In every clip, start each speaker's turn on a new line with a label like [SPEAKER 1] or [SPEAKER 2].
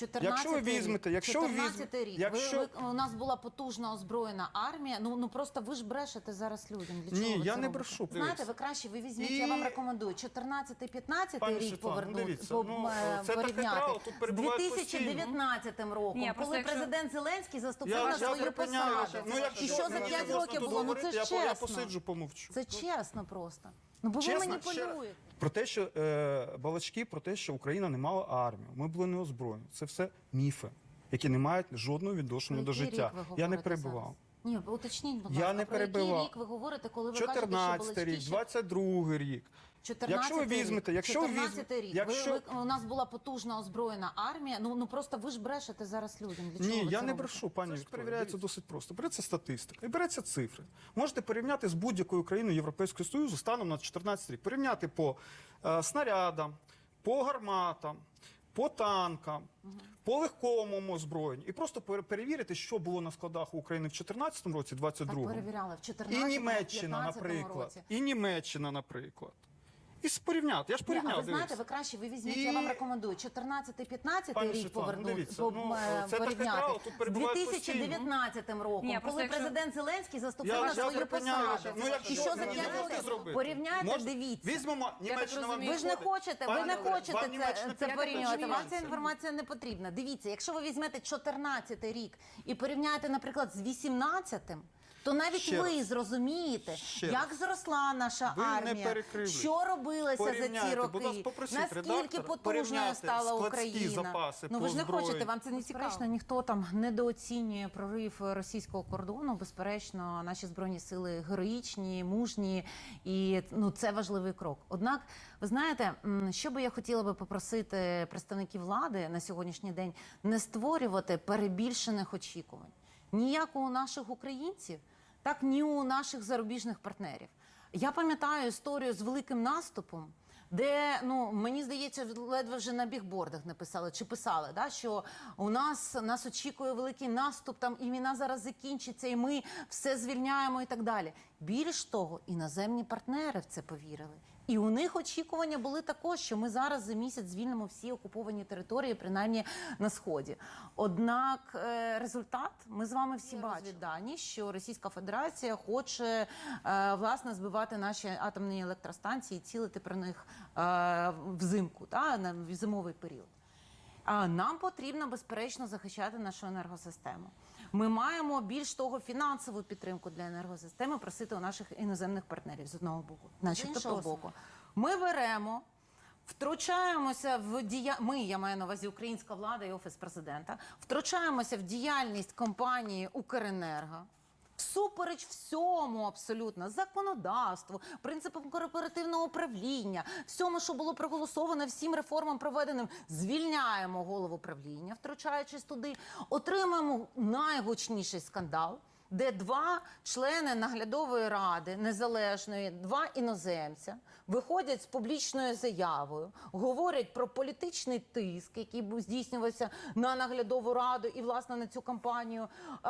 [SPEAKER 1] Якщо ви візьмете,
[SPEAKER 2] рік. У нас була потужна озброєна армія. Ну просто ви ж брешете зараз людям. Для чого
[SPEAKER 1] Ні,
[SPEAKER 2] ви
[SPEAKER 1] я
[SPEAKER 2] це
[SPEAKER 1] не
[SPEAKER 2] робите?
[SPEAKER 1] брешу.
[SPEAKER 2] Знаєте, ви краще, ви візьміть, я вам рекомендую, 14-15 рік порівняти з 2019 роком, коли президент Зеленський заступив на свою посаду. І що за 5 років було? Ну це ж чесно.
[SPEAKER 1] Я посиджу, помовчу.
[SPEAKER 2] Це чесно просто. Ну, бо ви маніпулюєте.
[SPEAKER 1] Про те, що балачки, про те, що Україна не мала армію, ми були не озброєні. Це все міфи, які не мають жодного відношення до життя. Я не перебивав.
[SPEAKER 2] Ні, уточніть, будь ласка, про який рік ви говорите, коли ви кажете, що
[SPEAKER 1] 14 рік, 22 рік.
[SPEAKER 2] 14 рік. У нас була потужна озброєна армія. Ну просто ви ж брешете зараз людям. Для чого
[SPEAKER 1] Ні,
[SPEAKER 2] ви
[SPEAKER 1] я
[SPEAKER 2] це
[SPEAKER 1] не
[SPEAKER 2] робите?
[SPEAKER 1] брешу, пані Вікторія. Перевіряється досить просто. Береться статистика і береться цифри. Можете порівняти з будь-якою країною Європейського Союзу станом на 14 рік. Порівняти по снарядам, по гарматам, по танкам, по легкому озброєнню. І просто перевірити, що було на складах у України в 2014 році, 22-му.
[SPEAKER 2] Так перевіряли в 14-му,
[SPEAKER 1] І Німеччина, наприклад. І Німеччина, наприклад. І порівняти. Я ж порівняв.
[SPEAKER 2] Ви знаєте, ви краще, ви візьміть, я вам рекомендую, 14-15 рік порівняти з 2019 роком, коли президент Зеленський заступив на свою посаду. І що за 5 років? Порівняйте, дивіться.
[SPEAKER 1] Візьмемо Німеччина вам
[SPEAKER 2] ви ж не хочете це порівнювати. Вам ця інформація не потрібна. Дивіться, якщо ви візьмете 14 рік і порівняєте, наприклад, з 18-м, то навіть ви зрозумієте, як зросла наша армія, що робилося за ці роки, наскільки потужною стала Україна. Ну ви ж не хочете, вам це не цікаво. Ніхто там недооцінює прорив російського кордону. Безперечно, наші Збройні Сили героїчні, мужні, і це важливий крок. Однак, ви знаєте, що би я хотіла би попросити представників влади на сьогоднішній день не створювати перебільшених очікувань. Ніяк у наших українців, так ні у наших зарубіжних партнерів. Я пам'ятаю історію з великим наступом, де, мені здається, ледве вже на бігбордах написали, чи писали, що у нас очікує великий наступ, там і війна зараз закінчиться, і ми все звільняємо і так далі. Більш того, іноземні партнери в це повірили. І у них очікування були також, що ми зараз за місяць звільнимо всі окуповані території, принаймні на Сході. Однак результат ми з вами всі бачимо. Дані, що Російська Федерація хоче, власне, збивати наші атомні електростанції і цілити про них взимку, на зимовий період. Нам потрібно, безперечно, захищати нашу енергосистему. Ми маємо, більш того, фінансову підтримку для енергосистеми просити у наших іноземних партнерів з одного боку. З іншого боку, ми беремо, втручаємося в я маю на увазі українська влада і Офіс Президента, втручаємося в діяльність компанії «Укренерго», всупереч всьому абсолютно, законодавству, принципам корпоративного управління, всьому, що було проголосовано, всім реформам проведеним, звільняємо голову правління, втручаючись туди, отримаємо найгучніший скандал, де 2 члени наглядової ради незалежної, 2 іноземця, виходять з публічною заявою, говорять про політичний тиск, який здійснювався на наглядову раду і, власне, на цю кампанію.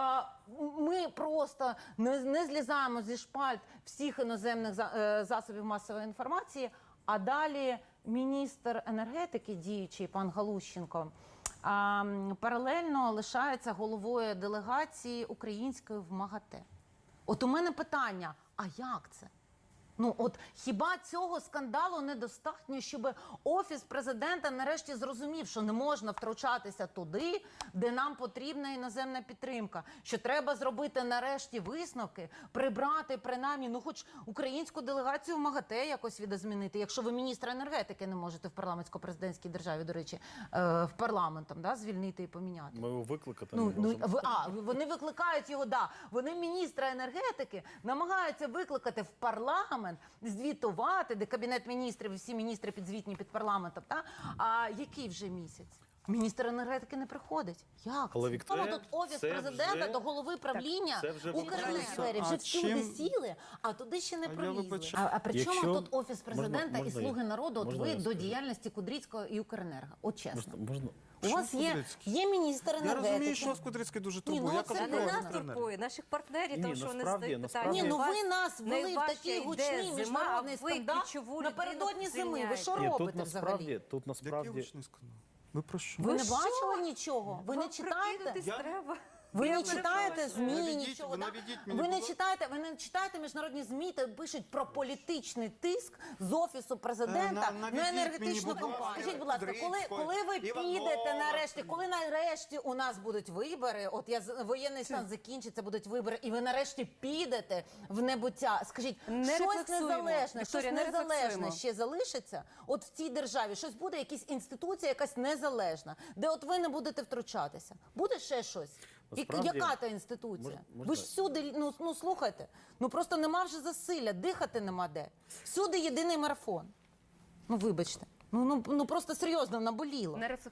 [SPEAKER 2] Ми просто не злізаємо зі шпальт всіх іноземних засобів масової інформації, а далі міністр енергетики, діючий пан Галущенко, паралельно лишається головою делегації української в МАГАТЕ. От у мене питання, а як це? Хіба цього скандалу недостатньо, щоб Офіс Президента нарешті зрозумів, що не можна втручатися туди, де нам потрібна іноземна підтримка, що треба зробити нарешті висновки, прибрати принаймні, хоч українську делегацію в МАГАТЕ якось відозмінити, якщо ви міністра енергетики не можете в парламентсько-президентській державі, до речі, в парламентом, звільнити і поміняти.
[SPEAKER 3] Ми його викликати не можемо.
[SPEAKER 2] Вони викликають його, Вони міністра енергетики намагаються викликати в парламент, звітувати, де Кабінет міністрів, всі міністри підзвітні під парламентом. А який вже місяць? Міністр енергетики не приходить. Як
[SPEAKER 3] Але,
[SPEAKER 2] це?
[SPEAKER 3] Вікторія,
[SPEAKER 2] Тут Офіс Президента до голови правління Укренерго вже всюди сіли, а туди ще не пролізли. А при чому тут Офіс Президента і Слуги народу, от ви до діяльності Кудрицького і Укренерго? От чесно. У вас є міністр енергетики.
[SPEAKER 1] Я розумію, що вас Кудрицький дуже турбує.
[SPEAKER 4] Це не нас турбує, наших партнерів, тому що вони задають питання.
[SPEAKER 2] Ви нас ввели в такий гучний міжнародний скандал напередодні зими. Ви що робите взагалі?
[SPEAKER 3] Тут насправді...
[SPEAKER 1] Який гучний скандал? Ви про що?
[SPEAKER 2] Ви не
[SPEAKER 4] що?
[SPEAKER 2] бачили нічого? Ви не
[SPEAKER 4] Вам
[SPEAKER 2] читаєте?
[SPEAKER 4] прокинутись треба.
[SPEAKER 2] Ви
[SPEAKER 4] Я
[SPEAKER 2] не читаєте
[SPEAKER 4] перепрошую.
[SPEAKER 2] ЗМІ,
[SPEAKER 1] Наведіть-
[SPEAKER 2] нічого.
[SPEAKER 1] ви
[SPEAKER 2] да?
[SPEAKER 1] наведіть мені,
[SPEAKER 2] Ви не
[SPEAKER 1] будь
[SPEAKER 2] читаєте міжнародні ЗМІ, де пишуть про політичний тиск з офісу президента
[SPEAKER 1] Наведіть
[SPEAKER 2] на
[SPEAKER 1] мені,
[SPEAKER 2] енергетичну
[SPEAKER 1] будь ласка,
[SPEAKER 2] компанію. Скажіть, будь ласка,
[SPEAKER 1] Дрицького,
[SPEAKER 2] коли ви
[SPEAKER 1] Іванова.
[SPEAKER 2] підете нарешті, коли нарешті у нас будуть вибори, от воєнний стан закінчиться, будуть вибори, і ви нарешті підете в небуття. Скажіть,
[SPEAKER 4] Не
[SPEAKER 2] щось
[SPEAKER 4] рефлексуємо.
[SPEAKER 2] незалежне,
[SPEAKER 4] Вікторія,
[SPEAKER 2] щось
[SPEAKER 4] не
[SPEAKER 2] незалежне
[SPEAKER 4] рефлексуємо.
[SPEAKER 2] ще залишиться? От в цій державі щось буде, якась інституція, якась незалежна, де от ви не будете втручатися. Буде ще щось?
[SPEAKER 3] Насправді,
[SPEAKER 2] Яка то інституція?
[SPEAKER 3] можна-
[SPEAKER 2] Ви ж всюди, ну слухайте, ну просто нема вже засилля, дихати нема де. Всюди єдиний марафон. Ну вибачте, ну просто серйозно наболіло.
[SPEAKER 4] Не